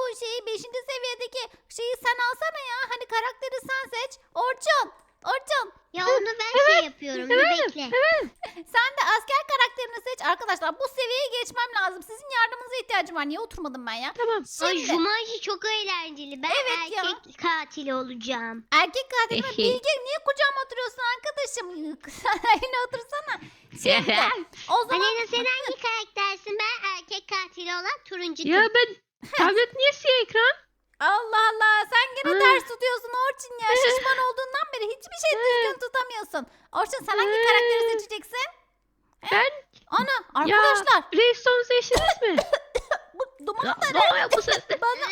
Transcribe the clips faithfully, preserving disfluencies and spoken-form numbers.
şeyi beşinci seviyedeki şeyi sen alsana ya. Hani karakteri sen seç. Orçun. Orçun. Ya onu ben şey yapıyorum. Bir bekle. Sen de asker karakterini seç. Arkadaşlar bu seviyeyi geçmem lazım. Sizin yardımınıza ihtiyacım var. Niye oturmadım ben ya? Tamam. Ay Şimdi Jumanji çok eğlenceli. Ben Evet ya. erkek katili olacağım. erkek katil mi? Bilge niye kucağıma oturuyorsun arkadaşım? Sen yine otursana. Şimdi o zaman Aleyna sen hangi karaktersin? Ben erkek katili olan turuncu Ya kız. ben tablet niye siyah ekran? Allah Allah sen gene Aa. ters tutuyorsun Orçun ya. Şişman olduğundan beri hiçbir şey düzgün tutamıyorsun. Orçun sen hangi karakteri seçeceksin? Ben Ana arkadaşlar Raystone'u seçtiniz mi? bu Ya, dumanları ne oluyor bu ses? bana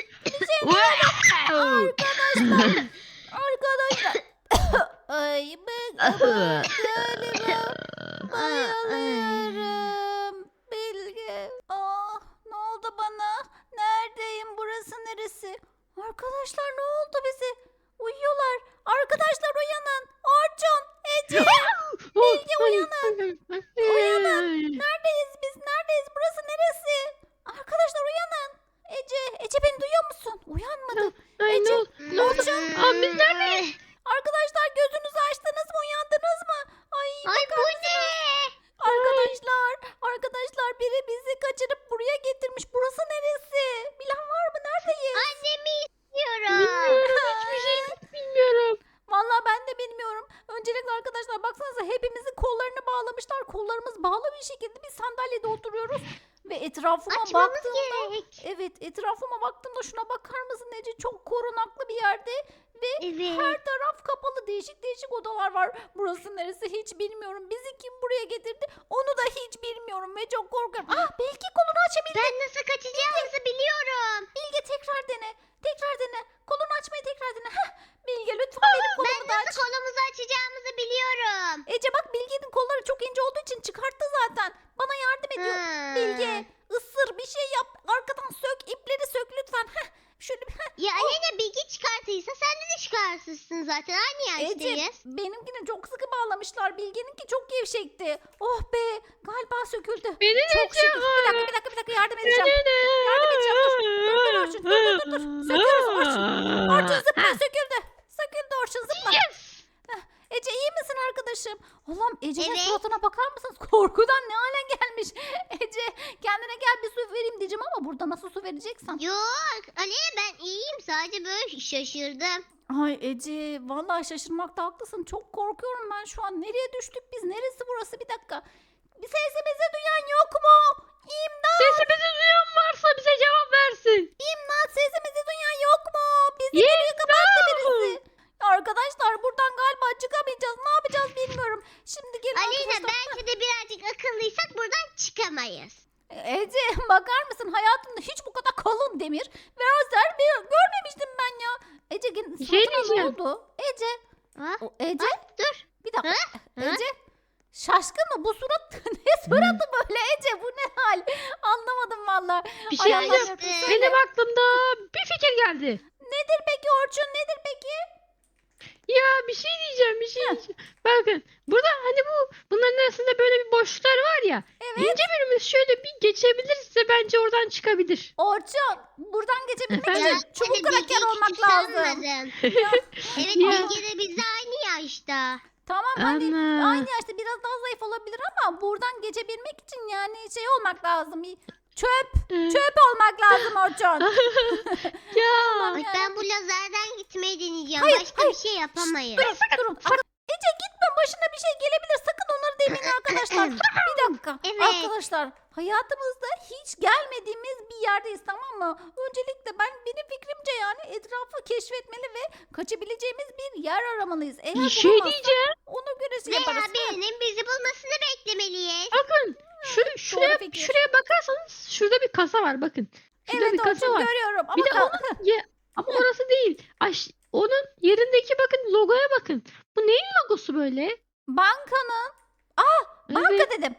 Wow! arkadaşlar. Ay ben galiba bayılıyorum. Bilge. Ah ne oldu bana? Neredeyim? Burası neresi? Arkadaşlar ne oldu bize? Uyuyorlar. Arkadaşlar uyanın. Orçun, Ece. Bilge uyanın. Uyanın. Neredeyiz biz? Neredeyiz? Burası neresi? Arkadaşlar uyanın. Ece, Ece beni duyuyor musun? Uyanmadı. Ay ne oldu? Ne oldu? Aa, biz neredeyiz? Arkadaşlar gözünüzü açtınız mı? Uyandınız mı? Ay, Ay bakar bu mısınız? ne? Arkadaşlar, arkadaşlar biri bizi kaçırıp buraya getirmiş. Burası neresi? Bilen var mı? Neredeyiz? Annemi istiyorum. Bilmiyorum. Hiçbir şey bilmiyorum. Vallahi ben de bilmiyorum. Öncelikle arkadaşlar baksanıza hepimizin kollarını bağlamışlar. Kollarımız bağlı bir şekilde bir sandalyede oturuyoruz. Ve etrafıma Açmamız baktığımda gerek. evet etrafıma baktığımda şuna bakar mısın Ece? Çok korunaklı bir yerde. Evet. Her taraf kapalı değişik değişik odalar var. Burası neresi hiç bilmiyorum. Bizi kim buraya getirdi onu da hiç bilmiyorum ve çok korkuyorum. Ah belki kolunu açabildi. Ben nasıl kaçacağımızı biliyorum. Bilge tekrar dene. Tekrar dene. Kolunu açmayı tekrar dene. Heh, Bilge lütfen benim Ben kolumu da aç. nasıl kolumuzu açacağımızı biliyorum. Ece bak Bilge'nin kolları çok ince olduğu için çıkarttı zaten. Bana yardım ediyor. Ha. Bilge ısır bir şey yap. Arkadan sök ipleri sök lütfen. Heh, şöyle bir- heh. Ya Aleyna bilgi çıkartıysa sen de de çıkartırsın zaten. Aynı Ece yaştayız. benimkini çok sıkı bağlamışlar. Bilge'ninki çok gevşekti. Oh be galiba söküldü. Beni de Çok şükür. Bir dakika bir dakika bir dakika yardım edeceğim. Yardım edeceğim dur. Dur dur Orçun dur dur dur. dur. Söküyoruz Orçun. Orçun zıpla söküldü. Söküldü Orçun zıpla. Yes! Ece iyi misin arkadaşım? Allah'ım Ece'nin Evet. suratına bakar mısınız? Korkudan ne hale gelmiş. Ece kendine gel bir su vereyim diyeceğim ama burada nasıl su vereceksen. Yok Aleyna ben iyiyim. Sadece böyle şaşırdım. Ay Ece vallahi şaşırmakta haklısın. Çok korkuyorum ben şu an. Nereye düştük biz? Neresi burası? Bir dakika. Bir sesimizi duyan yok mu? İmdat! Sesimizi duyan varsa bize cevap versin. İmdat sesimizi duyan yok mu? Bizi geriye kapattı birisi. Arkadaşlar buradan galiba çıkamayacağız. Ne yapacağız bilmiyorum. Şimdi gelin Aleyna arkadaşlar. bence de birazcık akıllıysak buradan çıkamayız. Ece bakar mısın hayatımda hiç bu kadar kalın demir ve lazer bir görmemiştim ben ya. Ece gel- Bir şey suratına ne diyeceğim. oldu? Ece, Ha? o, Ece Ha? Dur. bir dakika. Ha? Ece şaşkın mı? Bu surat ne suratı böyle Ece bu ne hal? Anlamadım valla. Bir Ay şey Allah'ım diyeceğim. yarabbim, Ee, söyle. Benim aklımda bir fikir geldi. Nedir peki Orçun nedir peki? Ya bir şey diyeceğim, bir şey diyeceğim. Bakın, burada hani bu bunların arasında böyle bir boşluklar var ya. Evet. İnce birimiz şöyle bir geçebilirse bence oradan çıkabilir. Orçun buradan geçebilmek Evet. için çubuk kraker olmak lazım. lazım. Ya, Evet Ya. Bilge de bizle aynı yaşta. tamam hadi Ana. aynı yaşta biraz daha zayıf olabilir ama buradan geçebilmek için yani şey olmak lazım. Çöp, Ee, çöp olmak lazım Orçun. ya. Ay, ben bu lazerden gitmeyi deneyeceğim. Hayır, Başka hayır. bir şey yapamayız. Durun, durun. Ar- Ece gitme başına bir şey gelebilir. Sakın onları demeyin arkadaşlar. Bir dakika. Evet. Arkadaşlar hayatımızda hiç gelmediğimiz bir yerdeyiz tamam mı? Öncelikle ben benim fikrimce yani etrafı keşfetmeli ve kaçabileceğimiz bir yer aramalıyız. Eğer Bir şey bulamazsak diyeceğim. ona göre şey Veya yaparız. birinin bizi bulmasını beklemeliyiz. Bakın, şu şuraya fikir. şuraya bakarsanız şurada bir kasa var bakın. Şurada Evet bir kasa Orçun var. görüyorum ama Bir de kal- onun ye- ama orası değil. Aş onun yerindeki bakın logoya bakın. Bu neyin logosu böyle? bankanın. Aa banka Evet. dedim.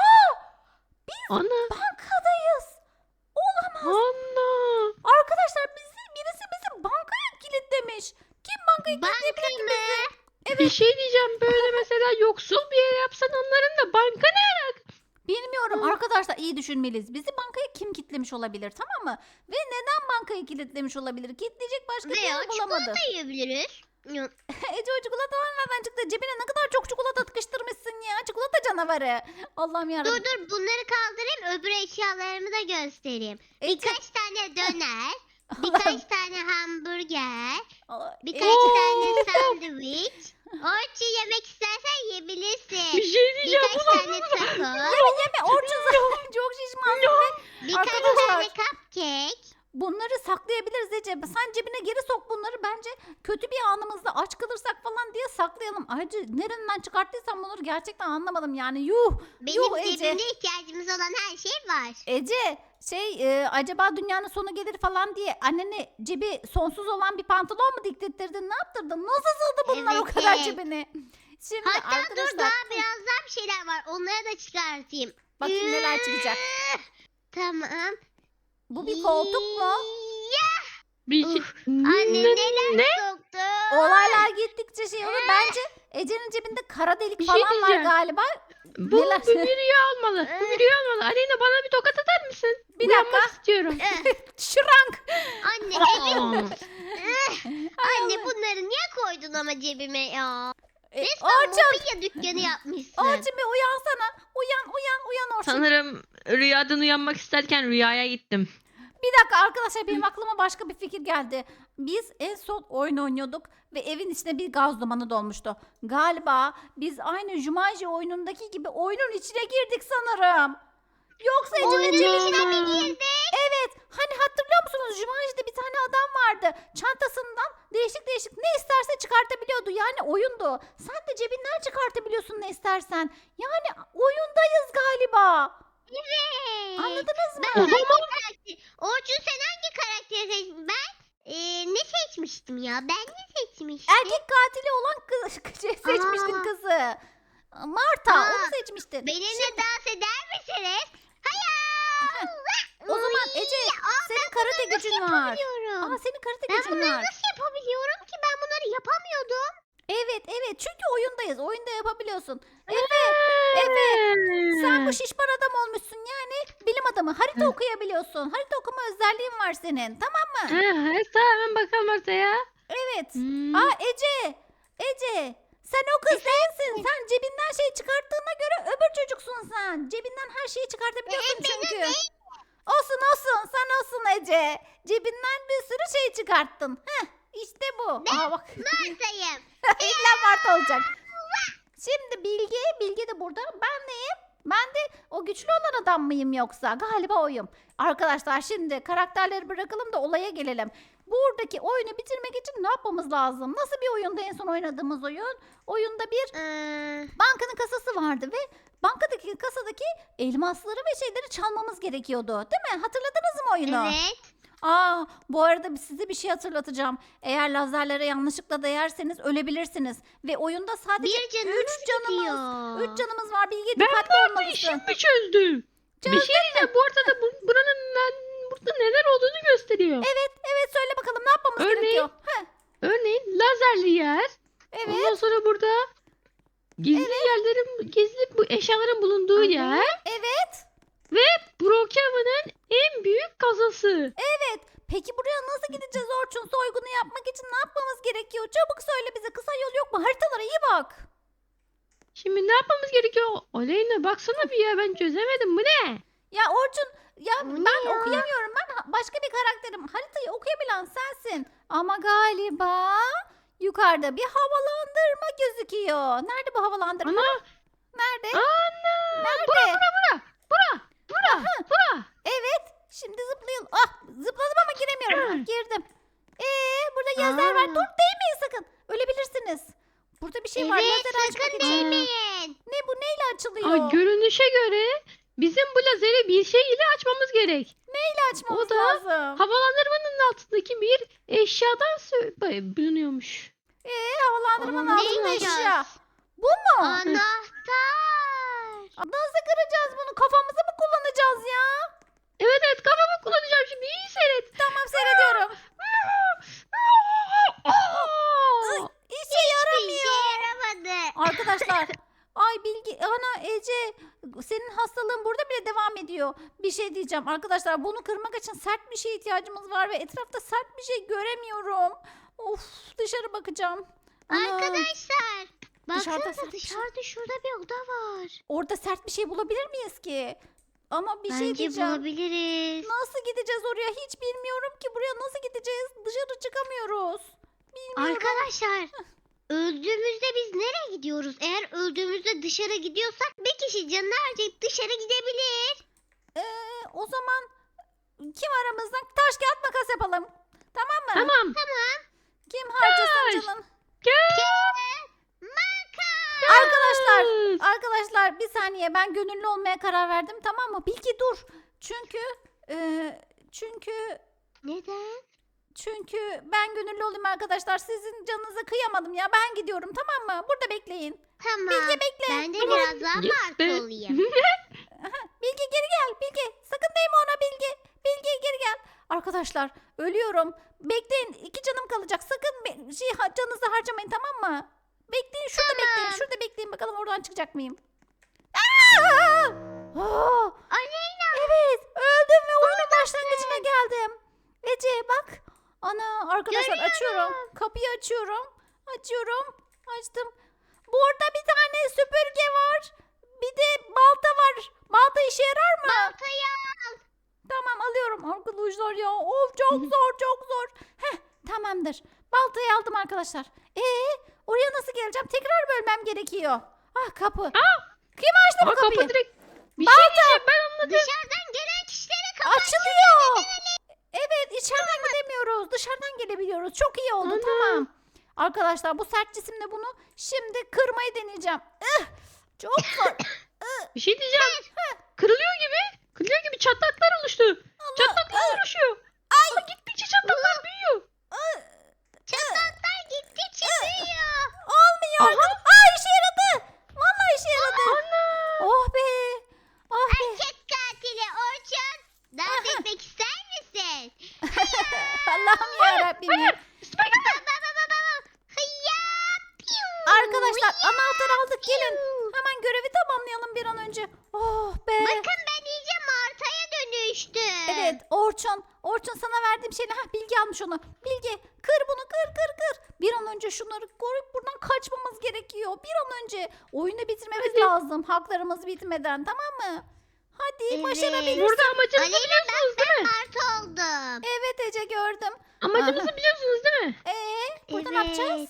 Ana. Bankadayız. Olamaz. Ana. Arkadaşlar bizi birisi bizi bankaya kilitlemiş. Kim bankayı kilitleyebilir ki Banka bizi? mı? Bir şey diyeceğim böyle mesela yoksul bir yer yapsan onların da banka ne? Bilmiyorum arkadaşlar iyi düşünmeliyiz. Bizi bankaya kim kilitlemiş olabilir tamam mı? Ve neden bankayı kilitlemiş olabilir? Kilitleyecek başka bir Veya yer bulamadı. çikolata yiyebiliriz. Yok. Ece o çikolatalar nereden çıktı? Cebine ne kadar çok çikolata tıkıştırmışsın ya. Çikolata canavarı. Allah'ım Dur yarabbim. dur bunları kaldırayım öbür eşyalarımı da göstereyim. Ece. Birkaç tane döner, Allah'ım. birkaç tane hamburger, Aa, birkaç Ece, tane sandviç. Orçu yemek istersen yiyebilirsin. Bir şey diyeceğim. Birkaç tane taco, Yeme yeme Orçun zaten çok şişmansın ve birkaç Arkadaşlar. tane cupcake. bunları saklayabiliriz Ece. Sen cebine geri sok bunları. Bence kötü bir anımızda aç kalırsak falan diye saklayalım. Ayrıca nereden çıkarttıysan bunları gerçekten anlamadım yani. Yuh. Benim Yuh Ece. cebimde ihtiyacımız olan her şey var. Ece şey e, acaba dünyanın sonu gelir falan diye annene cebi sonsuz olan bir pantolon mu diktirttirdin? Ne yaptırdın? Nasıl sığdı bunlar o Evet, kadar evet. cebine? Şimdi Hatta arkadaşlar dur daha biraz daha bir şeyler var. Onları da çıkartayım. bakayım neler çıkacak. Tamam. Bu bir koltuk mu? Ya, Bir şey... anne Ne? neler ne? soktu? Olaylar gittikçe şey olur. Bence Ece'nin cebinde kara delik Bir şey falan var diyeceğim. galiba. Bu, Neler? bu bir rüya olmalı. Bu bir rüya olmalı. Aleyna bana bir tokat atar mısın? Bir Uyanmak dakika. istiyorum. Şırank. Anne Aa. evim. Eh, Anne bunları niye koydun ama cebime ya? E, Resmen Orçun. mobilya dükkanı yapmışsın. Orçun bir uyansana. Uyan uyan uyan Orçun. Sanırım rüyadan uyanmak isterken rüyaya gittim. Bir dakika arkadaşlar benim aklıma başka bir fikir geldi. Biz en son oyun oynuyorduk ve evin içine bir gaz dumanı dolmuştu. Galiba biz aynı Jumanji oyunundaki gibi oyunun içine girdik sanırım. Yoksa Ece'nin Oyunun cebinden içine mi mi girdik? Evet. Hani hatırlıyor musunuz? Jumanji'de bir tane adam vardı. Çantasından değişik değişik ne isterse çıkartabiliyordu. Yani oyundu. Sen de cebinden çıkartabiliyorsun ne istersen. Yani oyundayız galiba. Evet. Anladınız mı? Ben hangi karakter? Orçun sen hangi karakteri seçtin? Ben eee, ne seçmiştim ya? Ben ne seçmiştim? Erkek katili olan kız şey seçmiştin Aa. kızı. Marta Aa, onu seçmiştin. Benimle dans eder misiniz? Hayır. O zaman Ece senin karate gücün var. Aa Yapabiliyorum. senin karate Ben gücün bunları var. nasıl yapabiliyorum ki? Ben bunları yapamıyordum. Evet evet çünkü oyundayız. Oyunda yapabiliyorsun. Efe Efe sen bu şişman adam olmuşsun yani bilim adamı. Harita Hı. okuyabiliyorsun. Harita okuma özelliğin var senin. Tamam mı? Ha, tamam hemen bakalım ortaya. Evet. Hmm. Aa Ece Ece sen o kız değilsin. Sen cebinden şey çıkarttığına göre öbür çocuksun sen. Cebinden her şeyi çıkartabiliyorsun Ee, benim çünkü. Olsun olsun sen olsun Ece. Cebinden bir sürü şey çıkarttın. Heh işte bu. Aa bak. Marta'yım. İlla Mart olacak. Şimdi Bilge, Bilge de burada. Ben neyim? Ben de o güçlü olan adam mıyım yoksa? Galiba oyum. Arkadaşlar şimdi karakterleri bırakalım da olaya gelelim. Buradaki oyunu bitirmek için ne yapmamız lazım? Nasıl bir oyunda en son oynadığımız oyun? Oyunda bir Ee, bankanın kasası vardı ve bankadaki kasadaki elmasları ve şeyleri çalmamız gerekiyordu. Değil mi? Hatırladınız mı oyunu? evet. Aa, bu arada size bir şey hatırlatacağım. Eğer lazerlere yanlışlıkla değerseniz ölebilirsiniz. Ve oyunda sadece Bir canımız üç canımız, gidiyor. üç canımız var. Bilge Ben dikkatli bu arada olmalısın. işimi çözdüm. Bir şey diyeceğim. Bu arada bu, buranın ben, burada neler olduğunu gösteriyor. Evet, evet söyle bakalım ne yapmamız Örneğin- gerekiyor? Heh, Örneğin lazerli yer. evet, Ondan sonra burada gizli yerlerin, gizli bu eşyaların bulunduğu yer. evet, Brookhaven'ın en büyük kazası. evet. Peki buraya nasıl gideceğiz Orçun? Soygunu yapmak için ne yapmamız gerekiyor? Çabuk söyle bize. Kısa yol yok mu? Haritalara iyi bak. Şimdi ne yapmamız gerekiyor? Aleyna baksana bir ya ben çözemedim. Bu ne? Ya Orçun, ya Bu ne ben ya? okuyamıyorum. Ben ha- başka bir karakterim. Haritayı okuyabilen sensin. Ama galiba yukarıda bir havalandırma gözüküyor. Nerede bu havalandırma? Ana. Nerede? Ana. Nerede? Bura bura bura. Bura. Bura. Bura. Evet. Şimdi zıplayalım. Ah zıpladım ama giremiyorum. Hı. Girdim. Ee burada yazar var. Aa. Dur değmeyin sakın. Ölebilirsiniz. Burada bir şey var. Evet Lazer açmak sakın için. değmeyin. Ne bu neyle açılıyor? Aa, görünüşe göre bizim bu lazeri bir şey ile açmamız gerek. Neyle açmamız o da lazım? Havalandırmanın altındaki bir eşyadan sö- bay- bulunuyormuş. Ee havalandırmanın Aa, altında ne eşya. yapacağız? Bu mu? Anahtar. Nasıl kıracağız bunu? Kafamızı mı kullanacağız ya? Evet evet kafamı kullanacağım şimdi iyi seyret. Tamam seyrediyorum. Ay, Aa! İşe Bir yaramıyor. şey yaramadı. Arkadaşlar. Ay Bilgi, ana Ece senin hastalığın burada bile devam ediyor. geliyor. Bir şey diyeceğim arkadaşlar, bunu kırmak için sert bir şeye ihtiyacımız var ve etrafta sert bir şey göremiyorum. Of, dışarı bakacağım. Ana, Arkadaşlar. Dışarıda Baksanıza sert bir şey. dışarıda şurada bir oda var. orada sert bir şey bulabilir miyiz ki? Ama bir şey Bence diyeceğim. bulabiliriz. Nasıl gideceğiz oraya? Hiç bilmiyorum ki. Buraya nasıl gideceğiz? Dışarı çıkamıyoruz. Bilmiyorum. Arkadaşlar öldüğümüzde biz nereye gidiyoruz? Eğer öldüğümüzde dışarı gidiyorsak bir kişi canını harcayıp dışarı gidebilir. Ee, o zaman kim aramızdan taş kağıt makas yapalım. Tamam mı? Tamam. Kim harcasın Taş. canın? Makas. Arkadaşlar, arkadaşlar bir saniye, ben gönüllü olmaya karar verdim, tamam mı? Bilgi dur. Çünkü e, çünkü Neden? çünkü ben gönüllü olayım arkadaşlar. Sizin canınıza kıyamadım ya. Ben gidiyorum, tamam mı? Burada bekleyin. Tamam. Bilge bekle. Ben de Tamam. biraz daha Gitti. marka olayım. Bilge geri gel. Bilge sakın değme ona Bilge. Bilge geri gel. Arkadaşlar ölüyorum. Bekleyin, iki canım kalacak. Sakın be- şey, ha- canınızı harcamayın, tamam mı? Bekleyin, şurada Tamam. bekleyin. Şurada bekleyin, bakalım oradan çıkacak mıyım? Aa! Aa! Aleyna. Evet, öldüm ve oyunun başlangıcına geldim. Ece bak. Ana, arkadaşlar Görüyorum. açıyorum. Kapıyı açıyorum. Açıyorum. Açtım. Burada bir tane süpürge var. Bir de balta var. Balta işe yarar mı? Baltayı al. Tamam, alıyorum arkadaşlar ya. Of, çok zor, çok zor. Heh, tamamdır. Baltayı aldım arkadaşlar. Ee, oraya nasıl geleceğim? Tekrar bölmem gerekiyor. Ah, kapı. Kim açtı bu Aa, kapıyı? kapı direkt. Bir şey diyeceğim, ben anladım. Dışarıdan gelen kişilere kapı Açılıyor. Evet, içeriden gidemiyoruz. Dışarıdan gelebiliyoruz. Çok iyi oldu. Ana. Tamam. Arkadaşlar bu sert cisimle bunu şimdi kırmayı deneyeceğim. Ih, çok zor. Bir şey diyeceğim. Kırılıyor gibi. Kırılıyor gibi çatlaklar oluştu. Çatlaklar oluşuyor. Aa, gittikçe çatlaklar büyüyor. Çatlaklar gittikçe büyüyor. Olmuyor. Aha. Aa, işe yaradı. Vallahi işe yaradı. Ana. Oh be. Oh be. Erkek katili Orçun. Dans etmek ister misin? Allah'ım yarabbim. ya. Üstüme gelme. Baba baba baba. Hıyya. Piu. Arkadaşlar Hıyya, anahtar aldık, gelin. piu. Hemen görevi tamamlayalım bir an önce. Oh be. Bakın ben iyice Marta'ya dönüştüm. Evet Orçun. Orçun, sana verdiğim şeyle. Hah, Bilge almış onu. Bilge kır bunu, kır kır kır. Bir an önce şunları koruyup buradan kaçmamız gerekiyor. Bir an önce oyunu bitirmemiz Hadi. lazım. Haklarımız bitmeden, tamam mı? Hadi Evet. başarabiliriz. Burada amacımızı Aleyna biliyorsunuz değil mi? Marta oldum. Evet Ece, gördüm. Amacımızı biliyorsunuz değil mi? Ee, burada ne Evet. yapacağız?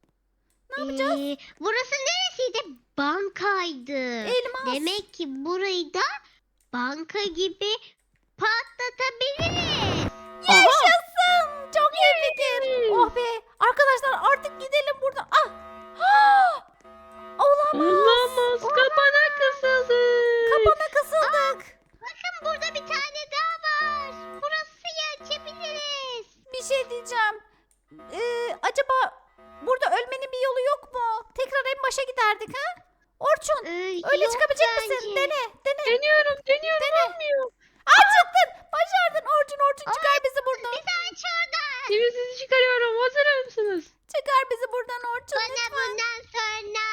Ne yapacağız? Ee, burası neresiydi? Bankaydı. Elmas. Demek ki burayı da banka gibi patlatabiliriz. Yaşasın. Çok iyi fikir. Yay. Oh be. Arkadaşlar artık gidelim buradan. Ah. Ah! Olamaz. Olamaz. Kapana kısıldı. Kapana kısıldık. Bakın burada bir tane daha var. Burası açabiliriz. Bir şey diyeceğim. Ee, acaba burada ölmenin bir yolu yok mu? Tekrar en başa giderdik ha? Orçun, Ee, öyle yok çıkabilecek bence. misin? Dene, dene. Deniyorum, deniyorum. Olmuyor. Aa, çıktın. Başardın Orçun. Orçun çıkar bizi buradan. Bizi aç oradan. Şimdi sizi çıkarıyorum. Hazır mısınız? Çıkar bizi buradan Orçun. Bana lütfen. bundan sonra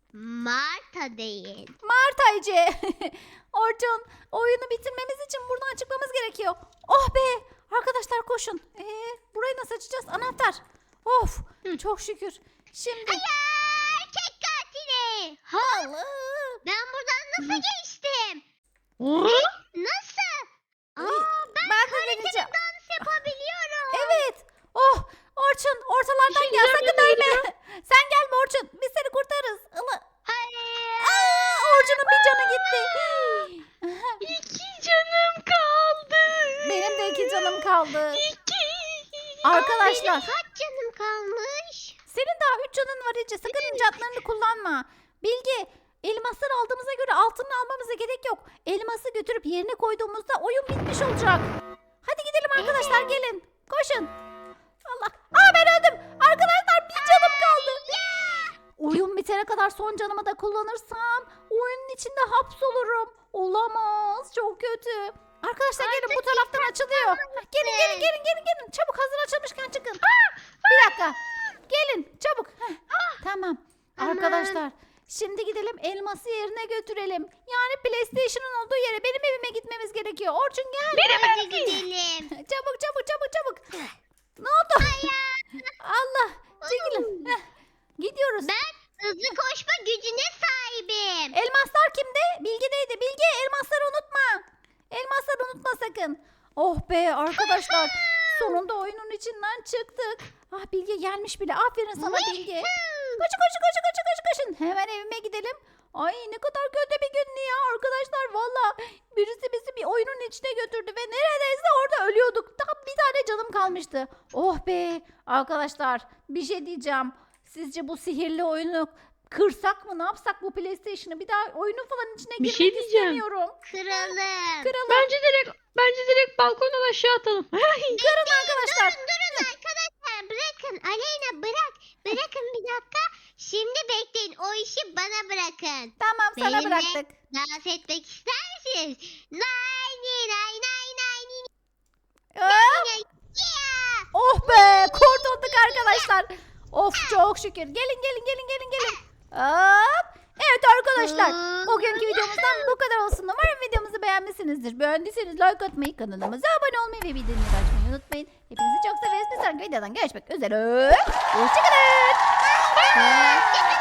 Marta deyin. Mart Ayce. Orçun, oyunu bitirmemiz için buradan çıkmamız gerekiyor. Oh be. Arkadaşlar koşun. Ee, burayı nasıl açacağız? Anahtar. Of. Hı. Çok şükür. Şimdi. Ya erkek katili. Ha, Allah. ben buradan nasıl geçtim? Aa, Nasıl? Aa, ben, Ben de kaliteli deneyeceğim. dans yapabiliyorum. Evet. Oh, Orçun ortalardan İşin gel, güzel sakın yerine ölme. geliyor. Sen gelme Orçun. Biz seni kurtarırız. Ilı. Hayır. Aa, Orçun'un bir canı gitti. İki canım kaldı. Benim de iki canım kaldı. İki. Arkadaşlar, Benim kaç canım kalmış? senin daha üç canın var Ece. Sakın incatlarını kullanma. Bilge, elmasları aldığımıza göre altını almamıza gerek yok. Elması götürüp yerine koyduğumuzda oyun bitmiş olacak. Hadi gidelim arkadaşlar, gelin. Koşun. Allah. Aa, ben öldüm. Arkadaşlar bir canım kaldı. Oyun bitene kadar son canımı da kullanırsam oyunun içinde hapsolurum. Olamaz. Çok kötü. Arkadaşlar gelin, bu taraftan açılıyor. Gelin gelin gelin gelin gelin. Çabuk, hazır açılmışken çıkın. Bir dakika. Gelin çabuk. Heh, Tamam. Tamam. Arkadaşlar Şimdi gidelim elması yerine götürelim. Yani PlayStation'ın olduğu yere benim evime gitmemiz gerekiyor. Orçun gel. Hadi gidelim. Çabuk çabuk çabuk çabuk. Ne oldu? Allah. Çekilin. Heh, gidiyoruz. Ben hızlı koşma gücüne sahibim. Elmaslar kimde? Bilge'deydi. Bilge elmasları unutma. Elmasları unutma sakın. Oh be arkadaşlar. Sonunda oyunun içinden çıktık. Ah Bilge gelmiş bile. Aferin sana Bilge. Koşun koşun koşun koşun koşun koşun. Hemen evime gidelim. Ay ne kadar kötü bir gündü ya arkadaşlar. Valla birisi bizi bir oyunun içine götürdü ve neredeyse orada ölüyorduk. Tam bir tane canım kalmıştı. Oh be arkadaşlar bir şey diyeceğim. Sizce bu sihirli oyunu kırsak mı, ne yapsak bu PlayStation'ı? Bir daha oyunun falan içine Bir girmek şey diyeceğim. istemiyorum. Kıralım. Kıralım. Bence direkt bence direkt balkondan aşağı atalım. Kırın arkadaşlar. Durun durun arkadaşlar bırakın. Aleyna bırak. Bırakın bir dakika. Şimdi bekleyin. O işi bana bırakın. Tamam sana Benimle bıraktık. dans etmek ister misiniz? Nay nay nay nay nay nay Aa, nay. Yeah. oh be kurtulduk arkadaşlar. Of çok şükür. Gelin gelin gelin gelin gelin. Hop. Evet arkadaşlar. Bugünkü videomuzdan bu kadar olsun. Umarım videomuzu beğenmişsinizdir. Beğendiyseniz like atmayı, kanalımıza abone olmayı ve bildirimleri açmayı unutmayın. Hepinizi çok severiz. Bir sonraki videodan görüşmek üzere. Hoşçakalın. Hoşçakalın.